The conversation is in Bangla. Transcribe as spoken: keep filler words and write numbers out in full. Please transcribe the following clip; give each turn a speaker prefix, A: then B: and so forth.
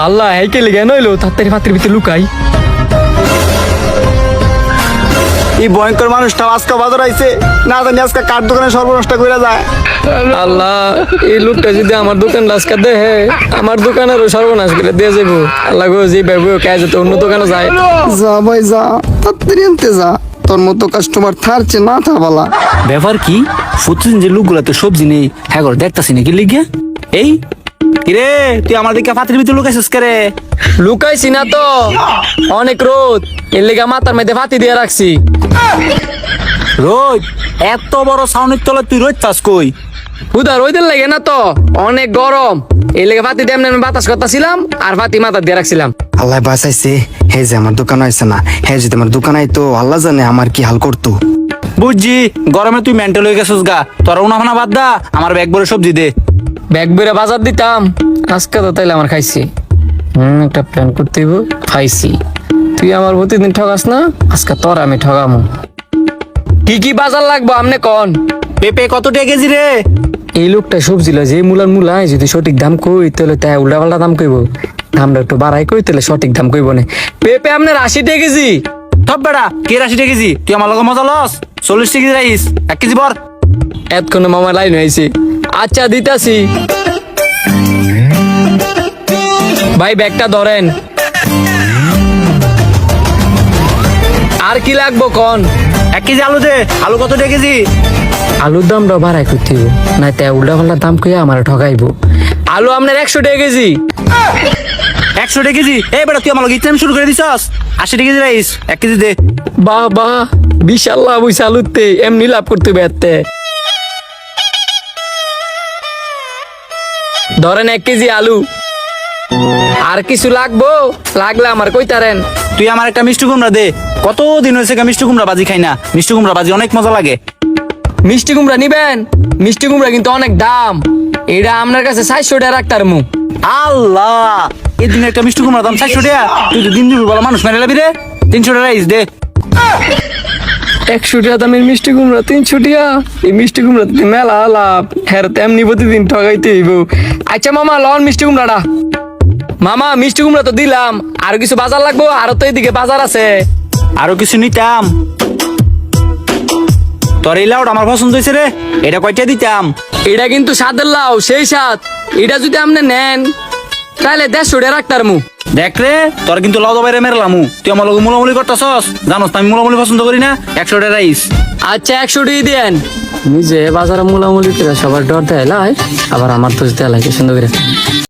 A: আল্লাহ হেকে লেগে নইলো তাড়াতাড়ি পাত্রের ভিতরে লুকাই।
B: এই ভয়ঙ্কর মানুষটা আজকে বাজার আইছে, না জানি আজকে কার দোকানে সর্বনষ্ট করে যায়।
A: আল্লাহ এই লোকটা যদি আমার দোকান রাস্কা দেহে আমার দোকানেরও সর্বনাশ করে দিয়ে যাবো। আল্লাহ গো যে ভাইবো কাজ যেতে অন্য দোকানে যায়।
B: যা ভাই যা, তাড়াতাড়ি আনতে যা, তোর মতো কাস্টমার থারছে না থা বালা।
C: ব্যাপার কি প্রতিদিন যে লোকগুলাতে সবজি নেই হ্যাঁ করে দেখতাছি নাকি লিগে এই কিরে তুই আমার দিকে পাত্রের ভিতরে লুকাইছিস কে রে?
A: লুকাইছি না তো, অনেক রোদ এর লেগে মাথার মধ্যে ফাতি দিয়ে রাখছি।
C: রোদ? এত বড় সাউনের তলে তুই রোদ চাস কই?
A: হুদা রোদের লাগে না তো, অনেক গরম এর লেগে ফাতি দিয়ে এমনি বাতাস করতেছিলাম আর ফাতি মাথা দিয়ে রাখছিলাম।
B: আল্লাহ বাঁচাইছে, হে যে আমার দোকান আইছে না, হে যদি আমার দোকান আইতো আল্লাহ জানে আমার কি হাল করতো।
C: বুঝছি গরমে তুই মেন্টাল হয়ে গেছিস গা, তোর উনাফানা বাদ দা, আমার ব্যাগ ভরে সবজি দে।
A: ব্যাগ বেড়ে বাজার দিতাম আজকে তো তাইলে আমার খাইছি। হম একটা প্ল্যান করতে হইব, খাইছি। তুই আমার প্রতিদিন ঠগাস না, আজকে তোর আমি ঠগামো। কি কি বাজার লাগবো আমনে কন?
C: পেঁপে কত টাকা কেজি রে?
A: এই লোকটা সবজি লয় যে মূলার মূলায় যদি সঠিক দাম কই তাহলে তাই উল্টা পাল্টা দাম কইব, দামটা একটু বাড়াই কই তাহলে সঠিক দাম কইব না। পেঁপে আপনার আশি টাকা কেজি।
C: সব বেড়া কে আশি টাকা কেজি? তুই আমার লগে মজা লস। চল্লিশ টাকা কেজি রাইস এক কেজি বর।
A: এতক্ষণ মামা লাইন হয়েছে। আচ্ছা দিতাছি ভাই, ব্যাগটা ধরেন। আর কি লাগবো কন?
C: এক কেজি আলু দে। আলু কত টাকা কেজি?
A: আলুর দামটা বাড়াই করতে হইব, না তাই উল্টা পাল্টা দাম কইয়া আমার ঠগাইবো। আলু আপনার একশো টাকা কেজি।
C: একশো টাকা কেজি? এই বেটা তুই আমার লগে ইচ্ছা শুরু করে দিছস। আশি টাকা কেজি রাইস এক কেজি দে।
A: বাহ বাহ, বিশাল লাভ হইছে আলুতে, এমনি লাভ করতে বেরতে। ধরেন এক কেজি আলু। আর কিছু লাগবো? লাগলে আমার কইতারেন।
C: তুই আমার একটা মিষ্টি কুমড়া দে। কতদিন হয়েছে মিষ্টি কুমড়া বাজি খাই না। মিষ্টি কুমড়া বাজি অনেক মজা লাগে।
A: মিষ্টি কুমড়া নিবেন? মিষ্টি কুমড়া কিন্তু অনেক দাম, এটা আপনার কাছে চারশো টাকা রাখতার মু।
C: আল্লাহ, এই দিনে একটা মিষ্টি কুমড়া দাম চারশো টাকা? তুই তো দিন দিন বলা মানুষ মেরে লাবি রে। তিনশো টাকা রাইস দে।
A: একশো টাকা দামের মিষ্টি কুমড়া তিনশো টাকা? এই মিষ্টি কুমড়া মেলা লাভ, হ্যাঁ তেমনি প্রতিদিন ঠগাইতে হইব। আচ্ছা মামা লন মিষ্টি কুমড়াটা। মামা মিষ্টি কুমড়া তো দিলাম, আর কিছু বাজার লাগবো? আরো তো এইদিকে বাজার আছে।
C: আরো কিছু নিতাম। তোর এই লাউটা আমার পছন্দ হয়েছে রে, এটা কয়টা দিতাম?
A: এটা কিন্তু স্বাদের লাউ, সেই স্বাদ। এটা যদি আপনি নেন তাহলে দেড়শো টাকা রাখতার মু।
C: দেখ রে, তোর কিন্তু লাউ বাইরে মেরলামু। তুই আমার লগে মুলামুলি করতেছস, জানোস তো আমি মুলামুলি পছন্দ করি না। একশো টাকা রাইস।
A: আচ্ছা একশো টাকা দেন। নিজে বাজারে মুলামুলি করে সবার ডর দেয় লাই, আবার আমার তো দেয় লাগে সুন্দর করে।